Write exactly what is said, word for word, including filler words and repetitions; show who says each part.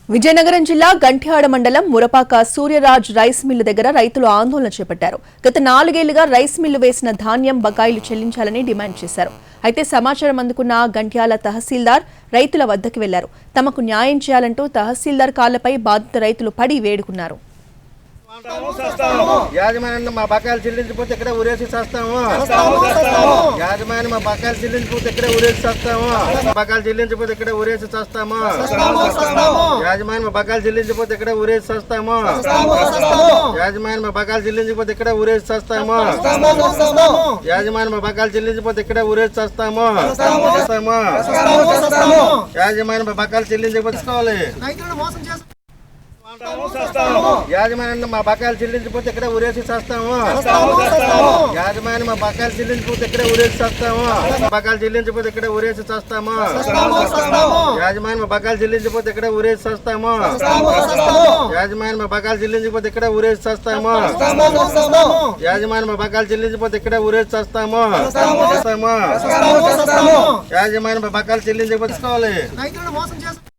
Speaker 1: విజయనగరం జిల్లా గంట్యాడ మండలం Murapaka సూర్యరాజ్ rice mill దగ్గర రైతులు ఆందోళన చేపట్టారు. గత నాలుగేళ్లుగా రైస్ మిల్లు వేసిన ధాన్యం బకాయిలు చెల్లించాలని డిమాండ్ చేశారు. అయితే సమాచారం అందుకున్న గంట్యాల తహసీల్దార్ రైతుల వద్దకు వెళ్లారు. తమకు న్యాయం చేయాలంటూ తహసీల్దార్ కాళ్లపై బాధిత రైతులు పడి వేడుకున్నారు.
Speaker 2: యాజమాన్యం మా బకాయిలు చెల్లించిపోతే ఇక్కడే ఊరేసి చేస్తాము. యాజమాన్యం మా బకాయిలు చెల్లించిపోతే ఇక్కడే ఊరేసి చేస్తాము. బకాయిలు చెల్లించిపోతే ఇక్కడే ఊరేసి చేస్తాము. యాజమాన్యం మా బకాయిలు చెల్లించిపోతే ఇక్కడే ఊరేసి చేస్తాము. యాజమాన్యం మా బకాయిలు చెల్లించిపోతే ఇక్కడే ఊరేసి చేస్తాము. యాజమాన్యం మా బకాయిలు చెల్లించిపోతే ఇక్కడే ఊరేసి చేస్తాము. యాజమాన్యం మా బకాయిలు చెల్లించకపోతే యాజమాన్యం మా బకాయిలు చెల్లించిపోతే ఇక్కడే ఊరేసి చేస్తాము. యాజమాన్యం మా బకాయిలు చెల్లించిపోతే ఇక్కడే ఊరేసి చేస్తాము. బకాయిలు చెల్లించిపోతే ఇక్కడే ఊరేసి చేస్తాము. యాజమాన్యం మా బకాయిలు చెల్లించిపోతే ఇక్కడే ఊరేసి చేస్తాము. యాజమాన్యం మా బకాయిలు చెల్లించిపోతే ఇక్కడే ఊరేసి చేస్తాము. యాజమాన్యం మా బకాయిలు చెల్లించిపోతే ఇక్కడే ఊరేసి చేస్తాము. యాజమాన్యం మా బకాయిలు చెల్లించకపోతే